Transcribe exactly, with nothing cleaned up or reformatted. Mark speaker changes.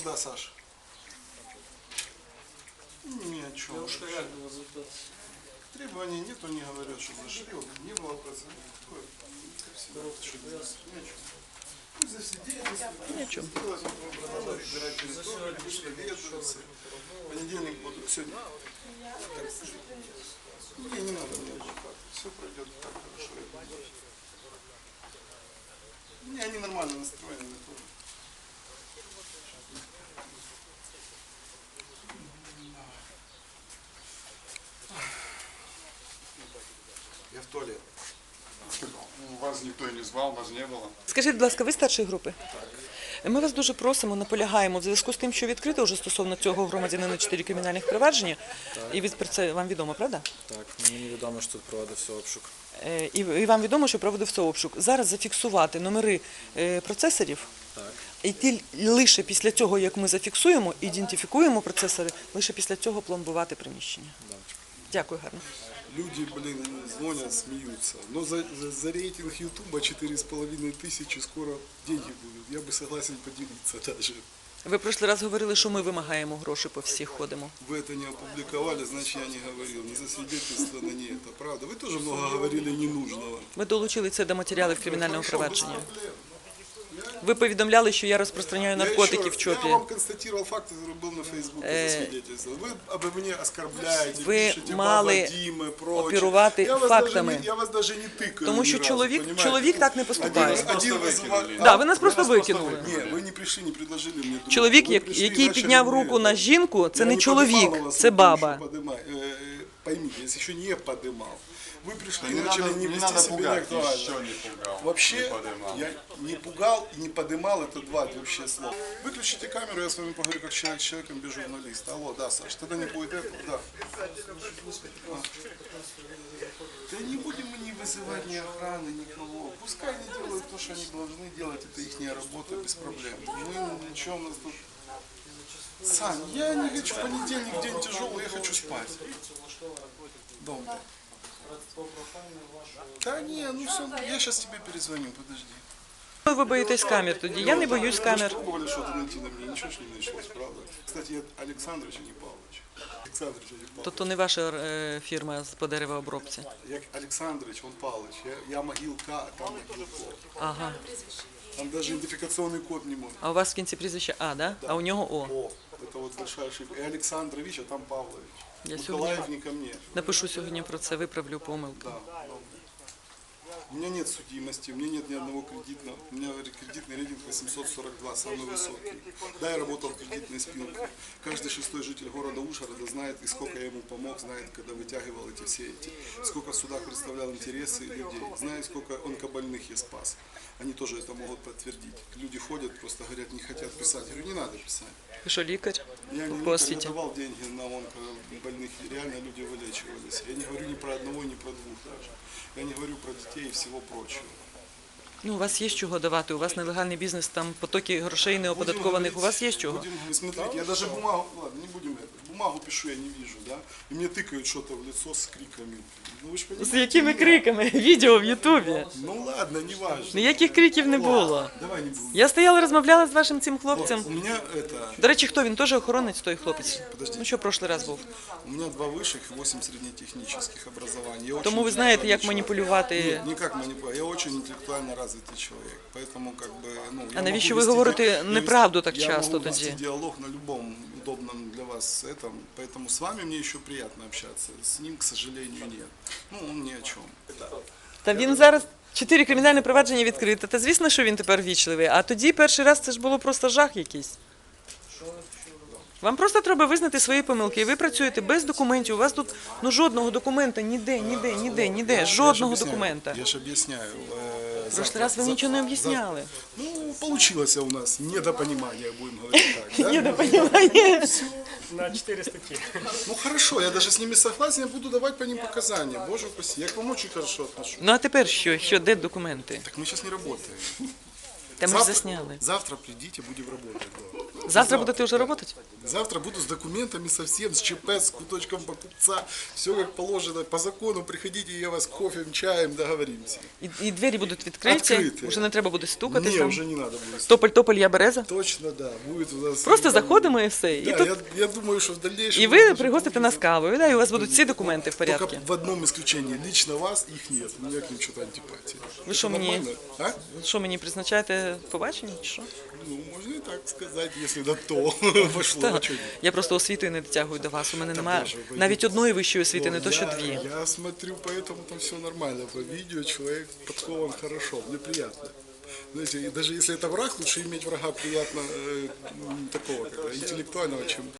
Speaker 1: Да, Саша. Ни о чем.
Speaker 2: Я уж реально результат.
Speaker 1: Требований нет, он не говорит, что зашли, не было процента. Такое, как всегда, что ни о чем. Ну, засидеть,
Speaker 3: Ни о чем.
Speaker 1: сделать, продолжать разбирать территорию, вышли ведомцы. Понедельник буду, сегодня. Не, не надо мне отдыхать. Все пройдет так хорошо. Не, они нормально настроены тоже. Я в туалет.
Speaker 4: Вас ніхто і не звав, вас не було.
Speaker 3: Скажіть, будь ласка, ви старшої групи? Ми вас дуже просимо, наполягаємо в зв'язку з тим, що відкрито вже стосовно цього громадянина чотири кримінальних провадження. І ви про це вам відомо, правда?
Speaker 5: Так, мені відомо, що тут проводився обшук.
Speaker 3: Е, І, і вам відомо, що проводився обшук. Зараз зафіксувати номери е, процесорів.
Speaker 5: Так.
Speaker 3: І ті, лише після цього, як ми зафіксуємо, ідентифікуємо процесори, лише після цього пломбувати приміщення. Дякую, гарно.
Speaker 1: Люди, блин, звонят, смеются. Но за, за, за рейтинг Ютуба четыре с половиной тысячи скоро деньги будут. Я бы согласен поделиться даже.
Speaker 3: Ви в прошлий раз говорили, що ми вимагаємо гроші по всіх ходимо.
Speaker 1: Вы это не опубликовали, значит я не говорил. Не засвидетельствовано, не это. Правда. Вы тоже много говорили ненужного.
Speaker 3: Ми долучили це до матеріалів кримінального
Speaker 1: Хорошо, без
Speaker 3: провадження.
Speaker 1: проблем.
Speaker 3: Ви повідомляли, що я розпространяю
Speaker 1: Я
Speaker 3: наркотики
Speaker 1: еще
Speaker 3: в
Speaker 1: раз,
Speaker 3: ЧОПі.
Speaker 1: Я вам констатировал факт, который был на Фейсбуке,
Speaker 3: Э,
Speaker 1: засвидетельствовал. Вы обо мне оскорбляете,
Speaker 3: ви
Speaker 1: пишете
Speaker 3: мали
Speaker 1: «Баба Дима», прочее.
Speaker 3: оперувати
Speaker 1: Я вас
Speaker 3: фактами.
Speaker 1: даже не- Я вас даже не тыкаю
Speaker 3: Тому
Speaker 1: ни
Speaker 3: що
Speaker 1: разу,
Speaker 3: чоловік,
Speaker 1: понимаете?
Speaker 3: чоловік так не поступає.
Speaker 1: Один, один вызывали.
Speaker 3: Да, ви нас просто викинули.
Speaker 1: Нет, вы не пришли, не предложили мне друга.
Speaker 3: Чоловік,
Speaker 1: Ви
Speaker 3: як-
Speaker 1: пришли,
Speaker 3: який
Speaker 1: начали
Speaker 3: підняв
Speaker 1: мне
Speaker 3: руку
Speaker 1: это.
Speaker 3: на жінку, це
Speaker 1: Я
Speaker 3: не
Speaker 1: подимал
Speaker 3: чоловік,
Speaker 1: вас,
Speaker 3: це
Speaker 1: вы
Speaker 3: баба.
Speaker 1: еще подымай. Э, Поймите, если еще не подымал. Вы пришли и
Speaker 4: Не
Speaker 1: начали
Speaker 4: надо,
Speaker 1: не
Speaker 4: не
Speaker 1: вести
Speaker 4: надо
Speaker 1: себя
Speaker 4: пугать,
Speaker 1: неактуально.
Speaker 4: еще не пугал.
Speaker 1: Вообще,
Speaker 4: не подымал.
Speaker 1: я не пугал и не подымал, это два вообще слова. Выключите камеру, я с вами поговорю как человек с человеком без журналиста. Алло, да, Саш, тогда не будет этого, да. А. Да не будем мы не вызывать ни охраны, никого. Пускай они делают то, что они должны делать, это их работа, без проблем. Мы ничего, у нас тут... Сань, я не хочу, понедельник день тяжелый, я хочу спать. Дома. Да не, ну все, я сейчас тебе перезвоню, подожди.
Speaker 3: Ви боїтесь камер тоді. Я не боюсь
Speaker 1: Вы
Speaker 3: камер.
Speaker 1: же пробовали что-то найти на мне, ничего ж не началось, правда? Кстати, я Александрович, а не Павлович. Александрович, а не Павлович.
Speaker 3: Тобто не ваша е, фірма з- по деревообробці.
Speaker 1: Я Александрович, он Павлович. Я, я могилка, а там могилко.
Speaker 3: Ага.
Speaker 1: Там даже идентификационный код не может.
Speaker 3: А у вас в кінці прізвище А, да? А у нього О.
Speaker 1: О, это вот большая ошибка. И Александрович, а там Павлович.
Speaker 3: Я
Speaker 1: Николаев
Speaker 3: сегодня-
Speaker 1: не ко мне.
Speaker 3: Напишу сьогодні про це, виправлю помилку.
Speaker 1: Да, добре. У меня нет судимости, у меня нет ни одного кредитного. У меня кредитный рейтинг восемьсот сорок два, самый высокий. Да, я работал в кредитной спилке. Каждый шестой житель города Ужгорода знает, и сколько я ему помог, знает, когда вытягивал эти все эти. Сколько в судах представлял интересы людей. Знает, сколько онкобольных я спас. Они тоже это могут подтвердить. Люди ходят, просто говорят, не хотят писать. Я говорю, не надо писать.
Speaker 3: Ви що, лікар?
Speaker 1: Я не,
Speaker 3: По
Speaker 1: не
Speaker 3: освіті.
Speaker 1: давал деньги на онкобольных, и реально люди вылечивались. Я не говорю ни про одного, ни про двух даже. Я не говорю про детей и всего прочего.
Speaker 3: Ну, у вас є з чого давати, у вас нелегальний бізнес, там потоки грошей неоподаткованих, у вас є з чого?
Speaker 1: Будем говорить, смотрите, я даже бумагу, ладно, не будем это, бумагу пишу, я не вижу, да, и мне тыкают что-то в лицо с криками. Ну, вы ж
Speaker 3: З
Speaker 1: понимаете,
Speaker 3: якими
Speaker 1: меня.
Speaker 3: криками? Відео в Ютубі.
Speaker 1: Ну ладно, не важно.
Speaker 3: Ніяких криків не було.
Speaker 1: Давай не будем.
Speaker 3: Я стояла, розмовляла з вашим цим
Speaker 1: Вот,
Speaker 3: хлопцем.
Speaker 1: у меня это,
Speaker 3: До речі, хто він? Теж охоронець той хлопець?
Speaker 1: Подожди.
Speaker 3: Ну що, прошлий раз був?
Speaker 1: у меня два высших и восемь среднетехнических образований. Я очень
Speaker 3: Тому ви знаєте, як
Speaker 1: интеллектуальный человек.
Speaker 3: маніпулювати.
Speaker 1: Нет, никак манипулировать. Я очень интеллектуально развитый человек, поэтому как бы, ну, я
Speaker 3: А навіщо
Speaker 1: могу
Speaker 3: ви
Speaker 1: вести
Speaker 3: говорите
Speaker 1: ди- я
Speaker 3: неправду
Speaker 1: вести-
Speaker 3: так
Speaker 1: я
Speaker 3: часто
Speaker 1: могу вести
Speaker 3: тоді?
Speaker 1: диалог на любом удобном для вас этом, поэтому с вами мне еще приятно общаться, с ним, к сожалению, нет. Ну, он ни о чем.
Speaker 3: Та він зараз чотири кримінальні провадження відкрите. Та звісно, що він тепер вічливий. А тоді перший раз це ж було просто жах якийсь. Вам просто треба визнати свої помилки. І ви працюєте без документів. У вас тут ну жодного документа, ніде, ніде, ніде, ніде,
Speaker 1: Я ж
Speaker 3: жодного
Speaker 1: объясняю,
Speaker 3: документа.
Speaker 1: Я же объясняю. э,
Speaker 3: В прошлый
Speaker 1: завтра-
Speaker 3: раз вы
Speaker 1: за-
Speaker 3: ничего не
Speaker 1: за-
Speaker 3: объясняли.
Speaker 1: Ну, получилось у нас недопонимание, будем говорить так. да?
Speaker 3: Недопонімання.
Speaker 2: На четыре статьи.
Speaker 1: Ну хорошо, я даже с ними согласен, я буду давать по ним показания. Боже упаси, я к вам очень хорошо отношусь.
Speaker 3: Ну а тепер що? Що, де документи?
Speaker 1: Так мы сейчас не работаем.
Speaker 3: Та ми ж
Speaker 1: Завтра-
Speaker 3: засняли.
Speaker 1: Завтра придите, будем работать. Да.
Speaker 3: Завтра будете вже працювати?
Speaker 1: Завтра буду с документами совсем, с ЧП, с куточком покупца. Все как положено, по закону. Приходите, я вас кофем, чаем, договоримся.
Speaker 3: І, і двері будуть відкриті,
Speaker 1: Відкриті.
Speaker 3: вже не треба буде стукати
Speaker 1: Не,
Speaker 3: там.
Speaker 1: уже не надо будет.
Speaker 3: Тополь-тополь, я береза.
Speaker 1: Точно, да. Будет у нас...
Speaker 3: Просто заходимо і все. І,
Speaker 1: Да,
Speaker 3: тут,
Speaker 1: я, я думаю, что в дальнейшем...
Speaker 3: і
Speaker 1: у
Speaker 3: ви
Speaker 1: нас даже
Speaker 3: пригостите
Speaker 1: будет-
Speaker 3: нас кавою, да, і у вас будуть всі документи в порядку.
Speaker 1: Только в одном исключении. Лично вас их нет. У меня к ним что-то антипатия.
Speaker 3: Вы
Speaker 1: Это
Speaker 3: что, мне-
Speaker 1: нормально? А?
Speaker 3: Що мені призначаєте побачення чи що?
Speaker 1: Ну, можно и так сказать, если до то пошло.
Speaker 3: Та,
Speaker 1: А чё нет?
Speaker 3: я просто освітою не дотягую до вас. У мене немає
Speaker 1: Боже, ви-
Speaker 3: навіть одної вищої освіти, не
Speaker 1: Ну,
Speaker 3: то що
Speaker 1: я-
Speaker 3: дві.
Speaker 1: Я смотрю, поэтому там все нормально. По видео человек подкован хорошо, мне приятно. Знаете, и даже если это враг, лучше иметь врага приятно э, м, такого, как, интеллектуального, чем